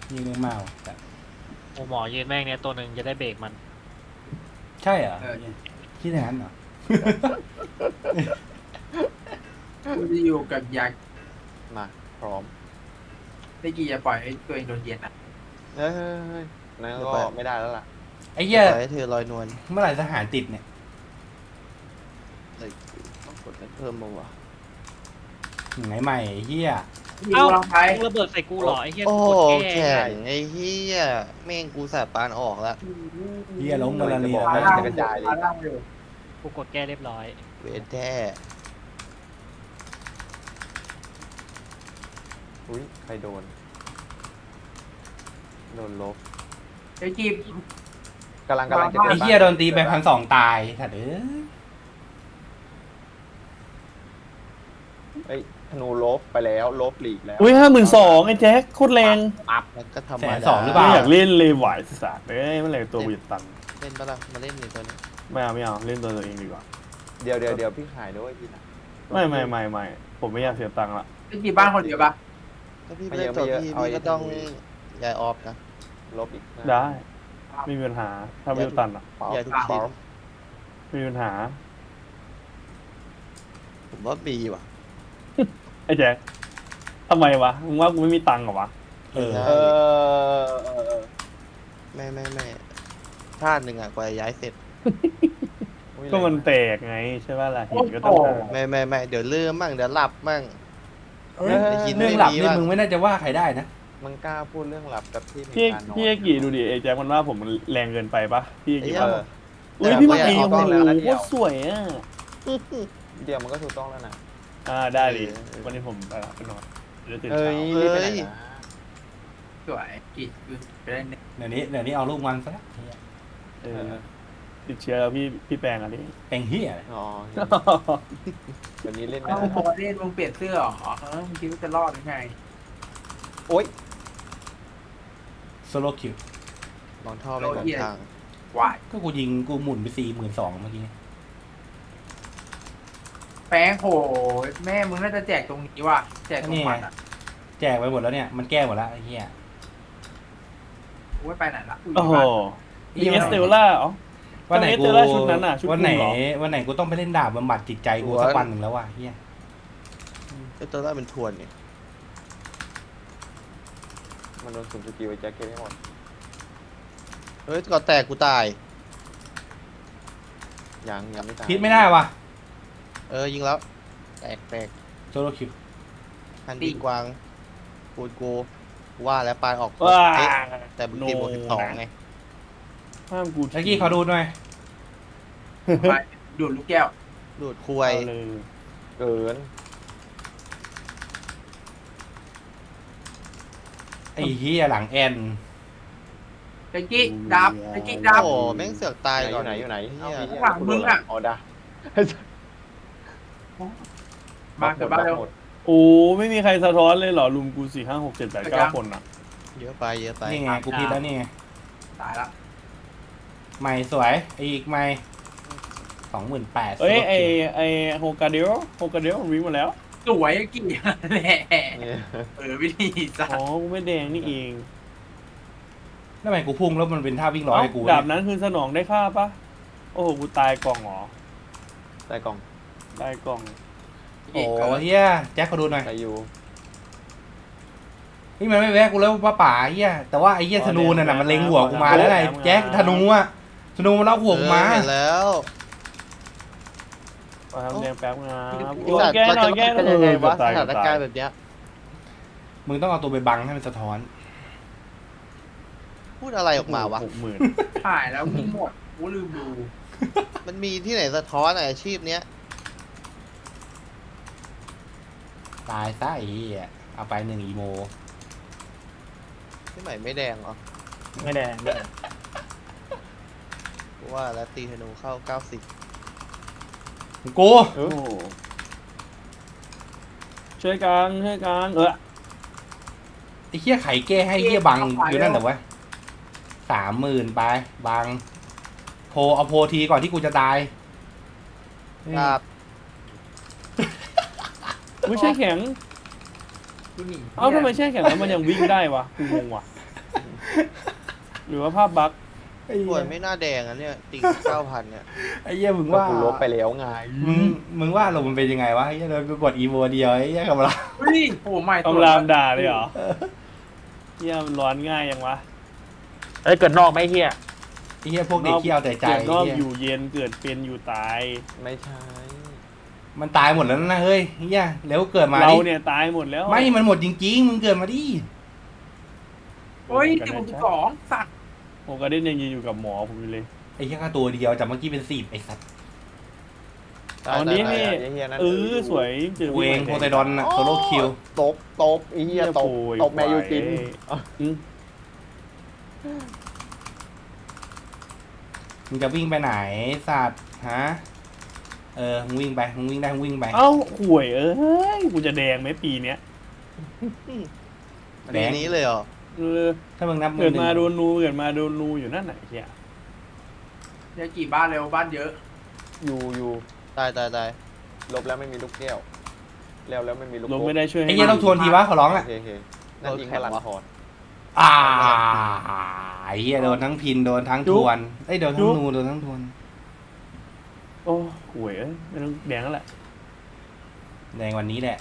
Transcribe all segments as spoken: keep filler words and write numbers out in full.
ยิงเรื่องมากว่ะแต่โอ้หมอยืนแม่งเนี่ยตัวหนึ่งจะได้เบรกมันใช่เหรอคิดอย่างนั้นเหรอกูจะอยู่กับยักษ์มาพร้อมได้กี่จะปล่อยให้ตัวเองโดนเย็นอ่ะเฮ้ยนั่นก็ไม่ได้แล้วล่ะไอ้เหี้ยปล่อยให้เธอลอยนวลเมื่อไหร่ทหารติดเนี่ยเลยต้องกดให้เพิ่มมาวะไหนใหม่ไอ้เหี้ยมีกูลองใช้มึงระเบิดใส่กูเหรอไอ้เหี้ยโอ้กูกดแก้แข็งไอ้เหี้ยแม่งกูสาปานออกแล้วเหี้ยล้มมาลาเรียพานะล่างกระจายเลยล่างอยู่กูกดแก้เรียบร้อยเวทแท้อุ้ยใครโดนโดนลบไอ้กีบกำลังกำลังจะไอ้เหี้ยโดนตีไปพันสองตายถัดเอ้ยเอ้ยธนูลบไปแล้วลบหลีกแล้วอุ้ยห้าหมื่นสองไอ้แจ็คโคตรแรงแล้วก็ธรรแสมนดาสองหรือเปไม่ล่าอยากเล่นเลยไหวสัตว์เอ้ยเมื่อไหร่ตัวกูจะตันเล่นปะล่ะมาเล่นนี่ตัวนี้ไม่เอาไม่เอาเล่นตัวตัวเองดีกว่าเดี๋ยวเดี๋ยวเดี๋ยวพี่ขายด้วยพี่นะไม่ไม่ไม่ไม่ผมไม่อยากเสียตังค์ละไอ้กีบบ้านคนเดียวปะถ้าพี่ไม่เล่นตัวพี่พี่ก็ต้องย้ายออฟนะลบอีกนะได้ไม่มีปัญหาถ้าไม่ตันอ่ะป๊อปย้ายทุกป๊ทีอปนะไม่มีปัญหาผมว่าบีว่ะไอ้แจ็คทำไมวะมึงว่ากูไม่มีตังค์เหรอวะเออเออเออเออไม่ไม่ไม่ชาติหนึ่งอ่ะกว่าจะย้ายเสร็จอุ๊ยก็มันแตกไงใช่ป่ะล่ะหินก็ต้องหาไม่ไม่ไม่เดี๋ยวลืมมั่งเดี๋ยวหลับมั่งเอ้ยได้ยินเรื่องหลับไม่มีนี่บ้างมึงไม่น่าจะว่าใครได้นะมันกล้าพูดเรื่องหลับกับที่มีพี่การนอนพี่เอกี่ดูดิไอ้แจ็คมันว่าผมมันแรงเกินไปปะพี่เอไอ้กี่เหี้ยว่าอุ้ยพี่เมื่อกี้แต่โอ้ว่าโหเอากล้องแล้วนะเดี๋โคยวตรสวยอ่ะเดี๋ยวมันก็ถูกต้องแล้วนะอ่าได้ดิเออวันนี้ผมไปละไปนอนเดี๋ยวตื่นเอ้เช้ายรีบไปไหนนะสวยกีบไปเล่นเนี่ยเดี๋ยวนี้เดี๋ยวนี้เอาลูกมันซะแล้วเหี้ยเออติดเชื้อแล้วพี่พี่แปลงอันนี้เป็นเหี้ยอะไรอ๋อวันนี้เล่นไม่เอ้าได้พอเล่นมึงเปลี่ยนเสื้อเหรอเออมึงคิดว่าจะรอดหรือไงโอ๊ยโซโลคิวลองท่อไปลองทางวายก็กูยิงกูหมุนไปสี่หมื่นสองเมื่อกี้แป้งโหแม่มึงน่าจะแจกตรงนี้ว่ะแจกตรงมันอ่ะแจกไปหมดแล้วเนี่ยมันแก้หมดแล้วไอ้เหี้ยกูไม่ไปไหนละโอ้โหมีเอสเตลล่าเหรอวันไหนเอสกูเตลล่าชุดนั้นอ่ะชุดวันไหนคุมเหรอวันไหนกูต้องไปเล่นดาบบำบัดจิตใจกูสักวันหนึ่งแล้วว่ะเหี้ยไอ้ตัวแรกเป็นทวนเนี่ยมันโดนสุ่มสกิลไอ้แจ็คเก็ตให้หมดเฮ้ยก่อนแตกกูตายยังยังไม่ตายพิษไม่ได้ว่ะเออยิงแล้ว แตกแตกโซโลคิวพันดีกวางกูดกูว่าแล้วปลายออกว้าเอ๊ะแต่บุกตีบวกสิบสองไงห้ามกูเมื่อกี้ขอดูหน่อยไปดูดลูกแก้วดูดคุเอายเลยเกินไอ้เหี้ยหลังแอนไอ้กิ๊กดับไอ้กิ๊กดับโอ้แม่งเสือกตายอก่อยู่ นไหนอยู่ไหนเหี้ยเอาข้างหลังมึงอะอ๋อดามาเกิดบ้านเร็วหมดโอ้ไม่มีใครสะท้อนเลยเหรอลุมกูสี่ห้าหกเจ็ดแปดเก้าคนอ่ะเยอะไปเยอะไปนี่ไงกูพิษแล้วนี่ไงตายละใหม่สวยอีกใหม่สองหมื่นแปดเอ้ยไอไอโฮกาเดลโฮกาเดลวิ่งมาแล้วสวยไอ้กิ๊กแหละเนี่ยเออวิธีสัตอ๋อว์กูไม่แดงนี่เองแล้วทำไมกูพุ่งแล้วมันเป็นท่าวิ่งร้อยให้กูเอ้าดาบนั้นคือสนองได้ค่าปะโอ้โหกูตายกล่องเหรอใต้กล่องตายกล่องโอ้เฮียแจ็คขอดูหน่อยใส่อยู่นี่มันไม่แวะกูแล้วป้าป่าเฮียแต่ว่าไอ้เฮียธนูน่ะนะมันเล็งหัวกูมาแล้วไงแจ็คธนูอ่ะธนูมันเล่าหัวกูมาเออเห็นแล้วมาทำแดงแป๊บนะไอ้โอ้ยสัตว์แก้มันหน่จะอยแก้หเป็นน่ยังไงอยวะสตายถานตาการยณ์แบบเนี้ยมึงต้องเอาตัวไปบังให้มันสะท้อนพูดอะไรออกมาวะหกหมื่นถ่ายแล้วมีหมดกูลืมดูมันมีที่ไหนสะท้อนอะอาชีพเนี้ยตายซะไอ้เฮียเอาไปหนึ่งอีโมที่ไหนไม่แดงเหรอไม่แดงไม่แดงกูว่าแล้วตีธนูเข้าเก้าสิบกูโอ้โหช่วยกันช่วยกันเออไอ้เฮียไข่แก้ให้เฮียบังอยู่นั่นแต่ว่าสามหมื่นไปบังโพเอาโพทีก่อนที่กูจะตายครับไม่ใช่แข็งกูหนีเอ้าทำไมแช่แข็งแล้วมันยังวิ่งได้วะกูงงว่ะหรือว่าภาพบั๊กไอ้ป่เหี้วยยไม่น่าแดงอ่ะเนี่ยติ่งเก้าพันเนี่ยไอ้เหี้ยมึงก็ว่ากูลบไปแล้วไงมึงมึงว่าลมณ์มันเป็นยังไงวะไอ้เหี้ยเรากูกดอีโวเดียวไอ้เหี้ยกับเราเฮ้ยโอ้ใหม่ตัวคำรามด่าเลยเหรอเฮียมันร้อนง่ายยังวะเอ้ยเกิดนอกไหมเฮียไอ้เหี้ยพวกเด็กขี้เอาแต่ใจเกิดไอ้นอกเหี้ยอยู่เย็นเกิดเป็นอยู่ตายไม่ใช่มันตายหมดแล้วนะเฮ้ยไอ้เหี้ยแล้วเกิดมาเราดิเนี่ยตายหมดแล้วไม่มันหมดจริงๆมึงเกิดมาดิเฮ้ยติดผมสิบสองสัตว์ผมก็ได้ยังยืนอยู่กับหมอผมอยู่เลยไอ้เหี้ยค่าตัวเดียวจากเมื่อกี้เป็นสิบไอ้สัตว์เอานี้นี่ไอ้เหี้ยนั่นเออสวยเจอกูเองโพไซดอนน่ะโซโล่คิวตบตบไอ้เหี้ยตบตบแมยูจินอืมมึงจะวิ่งไปไหนสัตว์ฮะเออมึงวิ่งไปมึงวิ่งได้มึงวิ่งไปเอ้าห่วยเอ้ยกูจะแดงไหมปีเนี้ยแดปีงนี้เลยเหรอเออถ้ามึงนับเกิดหนึ่งมาโดนนูเกิดมาโดนนูอยู่นั่นไหนเฮียเดี๋ยวกี่บ้านเร็วบ้านเยอะอยู่อยู่ตายตายตายลบแล้วไม่มีลูกแก้วแล้วแล้วไม่มีลูกลงโป่ไม่ได้ช่วยไอ้เหี้ยต้องทวนทีวะขอร้องโออ่ะเคโอเคนั่นยิงพลังทอนอ่าไอ้เหี้ยโดนทั้งพินโดนทั้งทวนไอ้ยโดนทั้งนูโดนทั้งทวนโอ้ห่วยเอ้ยไม่ต้องแดงแล้วแหละแดงวันนี้แหละ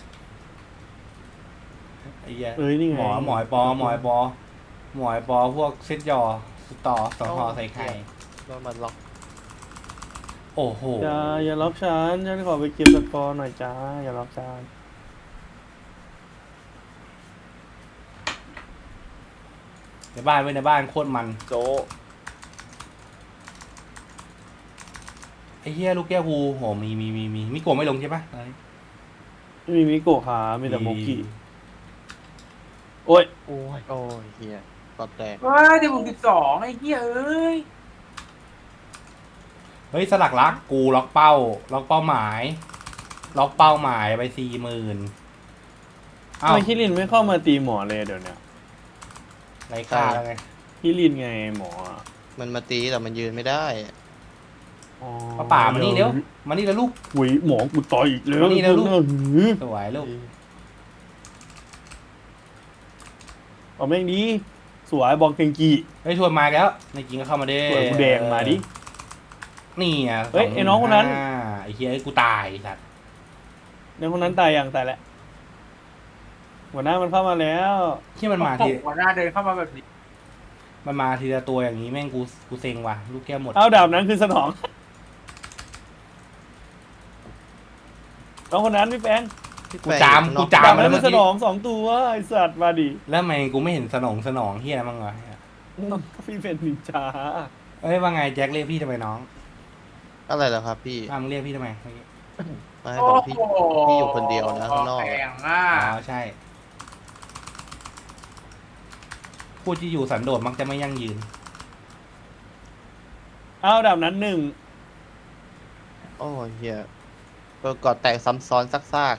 ไอ้เหี้ยเอ้ยนี่ไงหมอหมอยปอหมอยปอหมอยปอพวกเซตยอสต่อสองหอใส่ไข่โดนมันล็อกโอ้โหอย่าอย่าล็อกฉันฉันขอไปเก็บสกอร์หน่อยจ้าอย่าล็อกฉันในบ้านไว้ในบ้านโคตรมันโจไอ้เหี้ยลูกแก้วกูโหมีมีมีมีมิโกะไม่ลงใช่ปะไม่มีมิโกะขามีแต่โมกิโอ้ยโอ้ยโอ้ยเฮียกอดแตกเฮ้ยติดผมสิบสองไอ้เหี้ยเอ้ยเฮ้ยสลักลักกูล็อกเป้า ล็อกเป้าหมาย ล็อกเป้าหมายไปสี่หมื่นทำอ้าวไมคิรินไม่เข้ามาตีหมอเลยเดี๋ยวเนี้ยไรค่าแล้วไงคิรินไงหมออะมันมาตีแต่มันยืนไม่ได้อ๋อป้าป่ามานี่เร็วมานี่แล้วลูกหุยหมอกูต่อยอีกแล้วมานี่นะลูกหือสวยลูกเอาแม่งดีสวยบอกเกงกีเฮ้ยชวนมาแล้วในจริงก็เข้ามาได้สวยกูแดงมาดินี่อ่ะเฮ้ยไอ้น้องคนนั้นาไอ้เหี้ยไอ้กูตายไอ้สัตว์ในคนนั้นตายยังตายแล้วหัวหน้ามันเข้ามาแล้วที่มันมาโอ้ทีโหหัวหน้าเดินเข้ามาแบบนี้มันมาทีละตัวอย่างนี้แม่งกูกูเซ็งว่ะลูกแก้วหมดเอาดาบนั้นคือสนองน้องคนนั้นพี่แป้งกูจามกูจาดาม บมานั้แล้วนเมื่คือ อสกี้นองสองตัวไอสัตว์มาดิแล้วทำไมกูไม่เห็นสนองสนองเฮียอะไรบ้างวะพี่เป็นนินจาเอ้ยว่าไงแจ็คเรียกพี่ทำไมน้องอะไรเหรอครับพี่อ้าวมึงเรียกพี่ทำไมเมื่อกี้มาให้โอ้บอกพี่โหพี่อยู่คนเดียวนะข้างนอกแข่งอ่ะอ๋อใช่ผู้ที่อยู่สันโดษมักจะไม่ยั่งยืนเอาดาบนั้นหนึ่งโอ้ยเฮียเออกอดแตกซ้ำซ้อนซาก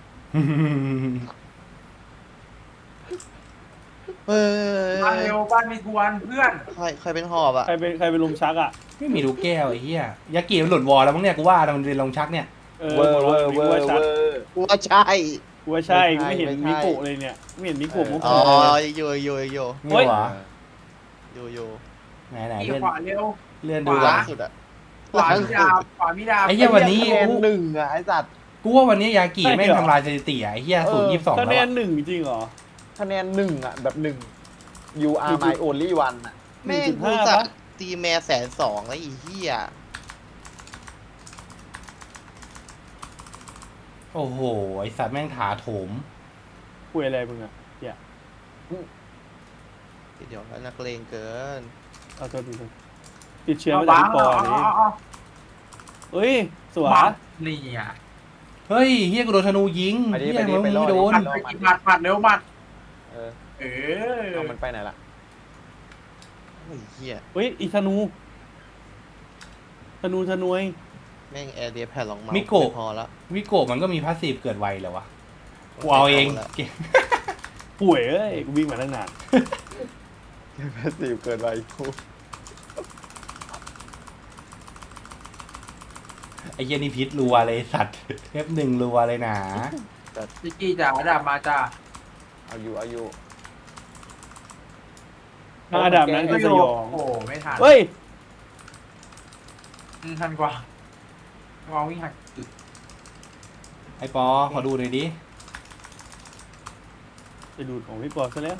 ๆเฮ้ยบ้านเร็วบ้านมีทวนเพื่อนใครใครเป็นหอบอ่ะใครเป็นใครเป็นลุมชักอ่ะไม่มีลูกแก้วไอ้เหี้ยยากิมันหลุดวอลแล้วมั้งเนี่ยกูว่ามันเป็นลงชักเนี่ยเออเวอร์เวอร์เวกูอว่าร์ชัเวดอร์กูว่าใช่กูว่าใช่กูไม่ไม่ใช่เห็นไม่มิใช่โกะเลยเนี่ยไม่เห็นมิโกะมุกอ๋อเลยโยโยโยไม่หวะโยโยไหนไหนขี่เลื่อนขวาเร็วเลื่อนขดูวาวะสุดอ่ะขวามีดาบขวามีดาบไอ้เหี้ยวันนี้คะแนนหนึ่งอ่ะไอ้สัตว์กูว่าวันนี้ยากิแม่งทำลายสถิติอ่ะไอ้เหี้ยศูนย์ยี่สิบสองคะแล้วแนนอะหนึ่งจริงเหรอคะแนนหนึ่งอ่ะแบบหนึ่ง you are my only one อ่ะแม่งหนึ่งจุดกูห้าสักปะตีแม่แสนสองแล้วอีเหี้ยโอ้โหไอ้สัตว์แม่งถาโถมคุยอะไรมึงอ่ะอย่าเดี๋ยวนักเลงเกินเอาตัวดีเลยติดเชื้อเอามาจากบ้างพี่ปอเอานี่เอาเอาเฮ้ยสวยบ้างนี่อ่ะเฮ้ยเฮียกูโดนธนูยิงไปดิเฮีไปยดิมึงไปรอไม่ดโดนหมัดไปกินหมัดหมัดเร็วหมัดเออเออเอามันไปไหนล่ะโอ้ยเหี้ยเฮ้ยอีธนูธนูธนวยแม่งแอร์เดียแผ่นรองเมาส์มิโกะไพอละวิโกะมันก็มีพาสซีฟเกิดไวแล้ววะกูเอาเองละเก่งป่วยเอ้ยกูวิ่งมาตั้งนานแพสซีฟเกินไปกูไอ้เหี้ยนี่พิษรัวเลยสัตว์เทปหนึ่งรัวเลยหนาจิกกี้จ๋าดาบมาจ้าเอาอยู่เอาอยู่ถ้าอันดับนั้นคือสยองโอ้โหไม่ทันเฮ้ยอืมทันกว่าลองวิ่งหักอึดไอปอขอดูหน่อยดิจะดูดของพี่ปอซะแล้ว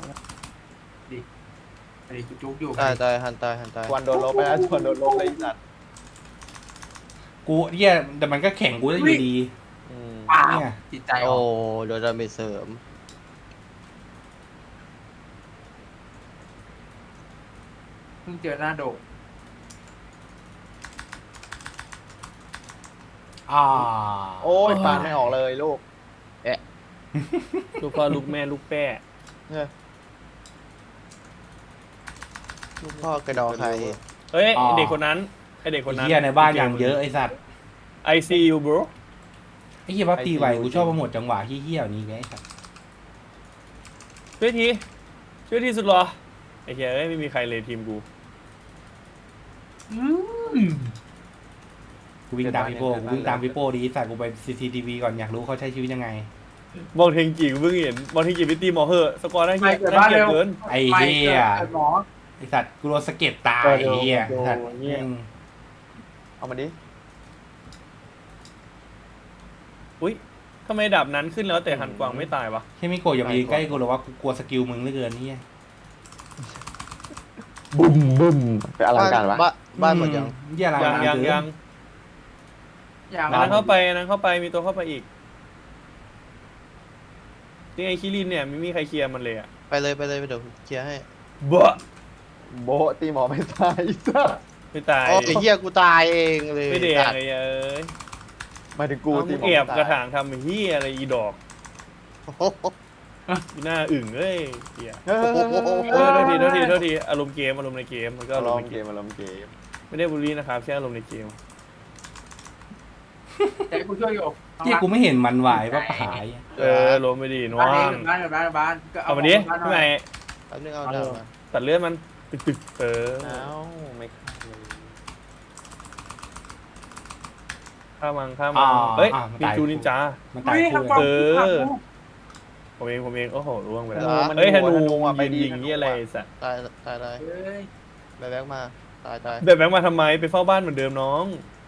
ไอ้จุกๆอยู่ตายตายหันตายหันตายชวนโดนลบไปแล้วชวนโดนลบเลยไอ้สัตว์กูเหี้ยแต่มันก็แข่งกูได้อยู่ดีอืมป้าเนี่ยจิตใจอโอ้อกโดนดาเมจเสริมเพิ่งเจอหน้าโดกอ่าโอ้ยปานไม่ออกเลยลูกลูกพ่อลูกแม่ลูกแป้ลูกพ่อกระดองใครเฮ้ยไอ้เด็กคนนั้นไอเด็กคนไอ้นั้นเหี้ยในบ้านอย่างเยอะไอสัตว์ I see you bro ไอ้เหี้ยพับตีไหวกูชอบโปรโมทจังหวะเหี้ยๆนี้ไงไอ้สัตว์ช่วยทีช่วยทีสุดหรอไอ้เหี้ยเอ้ยไม่มีใครเลยทีมกูอืมกูวิ่งตามพี่โป้กูวิ่งตามพี่โป้ดีสัตว์กูไปซีซีทีวีก่อนอยากรู้เขาใช้ชีวิตยังไงบอลเทงกีกูเพิ่งเห็นบอลเทงกีไปตีหมอเหอะสกอร์น่าเกลียดไปเกิดน่าบ้านเกลียดเร็วเกินไอ้เหี้ยไปหมอไอสัตว์กูโดนสะเก็ดตายเออไอ้เหี้ยโดนสัตว์โดนเหี้ยแม่งเอามาดิอุ้ยทำไมดาบนั้นขึ้นแล้วแต่หันกวางไม่ตายวะแค่ไม่โกรธอย่ามายืนใกล้กูหรอกว่ากูกลัวสกิลมึงเหลือเกินเหี้ยบุ้มบุ้มไปอลังการวะบ้านบ้านหมดยังเหี้ยอะไรยังยังเกินยังอย่างอันนั้นเข้าไปอันนั้นเข้าไปมีตัวเข้าไปอีกนี่ไงคิรินเนี่ยไม่มีใครเคลียร์มันเลยอะไปเลยไปเลยไปเดี๋ยวเคลียร์ให้บะโบะตีหมอไม่ตายสัสไม่ตายโอ้ไอ้เหี้ยกูตายเองเลยไม่แดงสัตว์ไอ้เอ้ยหมายถึงกูเอาตีมึงหมอแอบไม่ตายกระถางทำไอ้เฮียอะไรอีดอกโอ้โหอีหน้าอึ่งเอ้ยเฮียเฮ้ยเฮ้ยเฮ้ยเฮ้ยเออโทษทีโทษทีโทษทีอารมณ์เกมอารมณ์ในเกมมันก็อาอาร รมมณ์ณ์ในเกเกมมอารมณ์เกมไม่ได้บูลลี่นะครับแค่อารมณ์ในเกมแต่กูช่วยอยู่เหี้ยกูไม่เห็นมันไหวปะผายเอออารมณ์ไม่ดีน้อบ้านเองงบ้านบ้านบ้านก็เอามาดิบ้านพี่ใหม่แป๊บนึงเอาดาบมาตัดเลือดมันตึกตึกเออเอ้าไม่ฆ่าเลยข้ามังข้ามังเฮ้ยนินจูนินจามันตายเฮ้ยคู่ทำเลยความเออผิดพลาดกูผมเองผมเองโอ้โหร่วงไปธแล้วนูมันเฮ้ยธนูอะไปยิงดียิงนี่อะไรสัตว์ตายตายตายเฮ้ยแบกแบกมาตายตายเดินแบงค์มาทำไมไปเฝ้าบ้านเหมือนเดิมน้อง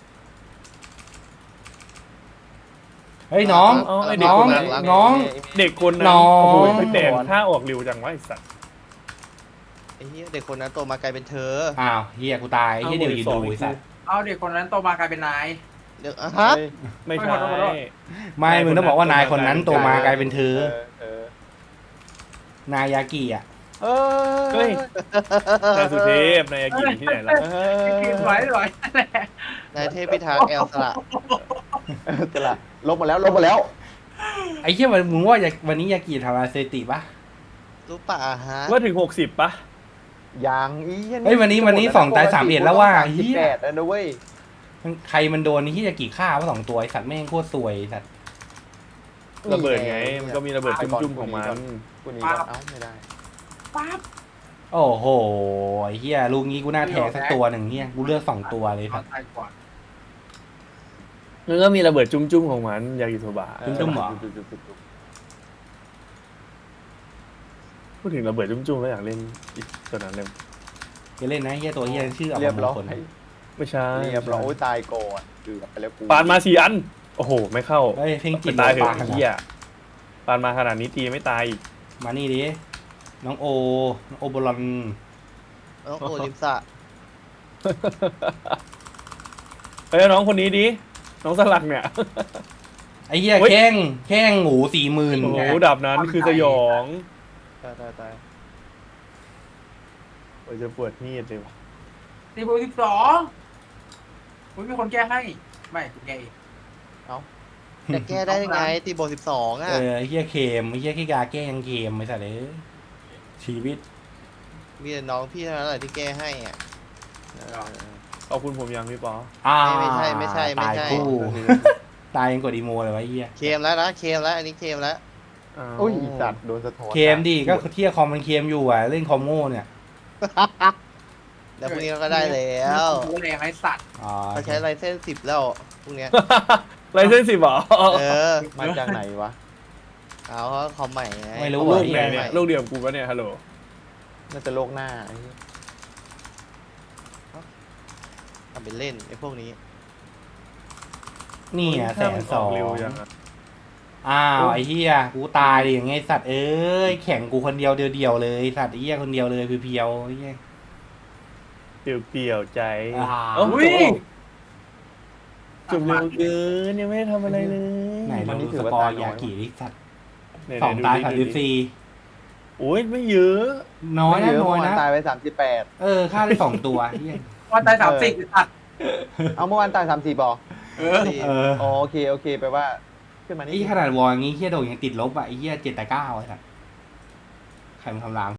เฮ้ยน้องเอาไอ้เด็กน้องคนนั้นน้องเด็กคนนั้นน้องโอ้โหไปแต่งท่าออกเร็วจังวะไอ้สัตว์ไอ้เหี้ยเด็กคนนั้นโตมากลายเป็นเธออ้าวเฮียกูตายเฮียเดี๋ยวยืนดูไอ้สัตว์เอาเด็กคนนั้นโตมากลายเป็นนายเดี๋ยวอ่ะฮะเฮ้ยไม่ใช่ขอโทษขอโทษไม่ มึงต้องบอกว่านายคนนั้นโตมากลายเป็นเธอเออนายากิอ่ะเออเฮ้ยนายสุเทพนายอากิที่ไหนล่ะเอกินอไว้ไว้นายเทพพิทักษ์แอลสละจะละลบหมดแล้วลบหมดแล้วไอ้เฮียวันมึงว่าวันนี้ยากิทำอะไรเซติปะรู้ป่ะฮะว่าถึงหกสิบปะอย่างอีเฮ้ยวันนี้วันนี้สองตายสามเอ็ดแล้วว่าเฮียแปดแล้วนะเว้ยมันใครมันโดนนี่ที่ยากิฆ่าวะสองตัวไอ้สัตว์แม่งโคตรซวยไอ้สัตว์ระเบิดไงมันก็มีระเบิดจุ่มๆของมันกูหนีก่อนเอ้าไม่ได้ปั๊บโอ้โหไอ้เฮียลูกนี้กูน่าแทงสักตัวหนึ่งเฮียกูเลือกสองตัวเลยสัตว์ตายก่อนมันก็มีระเบิดจุ่มๆของมันยากิโทบะจุ่มๆเหรอพูดถึงระเบิดจุ่มๆแล้วอยากเล่นอีกตัวนั้นเลยจะเล่นนะเฮียตัวเฮียชื่อเอาเรียบมาร้อยคนไม่ใช่เรียบร้อยโอ้ยตายก่อนเกือบไปแล้วกูปานมาสี่อันโอ้โหไม่เข้าเฮ้ยเพลงจิเป็ตนตายเหปอะเฮียปานมาขนาดนี้ตีไม่ตายอีกมานี่ดิน้องโอน้องโอบอลอนน้องโอลิมสะเฮ้ยน้องคนนี้ดิน้องสลักเนี่ยไอ้เหี้ยเฮ้ยแข้งแข้งหมูสี่หมื่นโอ้โหดับนั้นคือสยองตายตายตายโอ้ยจะปวดมีดเลยวะตีโบสิบสองอุ้ยมีคนแก้ให้ ไม่กูแก้เองจะแก้ได้ยังไงตีโบสิบสองเออ่ะอไอ้เหี้ยเค็มไอ้เหี้ยขี้กาแกล้งเค็มไม่ใช่เลยชีวิตมีแต่น้องพี่เท่านั้นแหละที่แก้ให้อ่ะเออขอบคุณผมยังพี่ปออ่าไม่ใช่ไม่ใช่ไม่ใช่ตายคู่ ตายยังกดอีโมเลยวะไอ้เหี้ยเคมแล้วนะเคมแล้วอันนี้เคมแล้วอ้าวโอ้ยสัตว์โดนสะท้อนเค็มดิก็เที่ยคอมมันเค็มอยู่อ่ะเล่นคอมโง่เนี่ยแล้วพรุ่งนี้เราก็ได้แล้วกูแรงไอ้สัตว์อ๋อเขาใช้ไลเซนส์สิบแล้วพรุ่งเนี้ยไรเส้นสิบเหรอเออมาจากไหนวะเอาเขาคอมใหม่ไงไม่รู้ลูอ่ะกไอ้ไหนเหี้ยเนี่ยลูกเดียวกับกูปะเนี่ยฮัลโหลน่าจะโลกหน้าไอ้เหี้ยทำเป็นเล่นไอ้พวกนี้นี่อ่ะแสถ้าน มันสองเร็วยังอะอ้าวไอ้เหี้ยกูตายดิอย่างไงสัตว์เอ้ยแข่งกูคนเดียวเดียวๆเลยสัตว์ไอ้เหี้ยคนเดียวเลยเพียวๆไอ้เหี้ยเปลี่ยวๆใจอ่าเอ้าอุ้ยจบเร็วเกินยังไม่ได้ทำอะไรเลยไหนเราดูสกอร์ยากิดิสัตว์ไหนๆสองดูตายดิสามดูสิบดิสี่โอ้ยไม่เยอะน้อยนะไม่เยอะน้อยเมื่อวานนะตายไปสามสิบแปดเออฆ่าได้สองตัวเหี้ยวันตายสามสิบตัดเอาเมื่อวานตายสามสี่บอเออเอออ๋อโอเคโอเคแปลว่าขึ้นมานี่ไอ้ขนาดวอลอย่างงี้เหี้ยโดนยังติดลบอ่ะไอ้เหี้ยเจ็ดแต่เก้าไอ้สัตว์ใครมันทำราง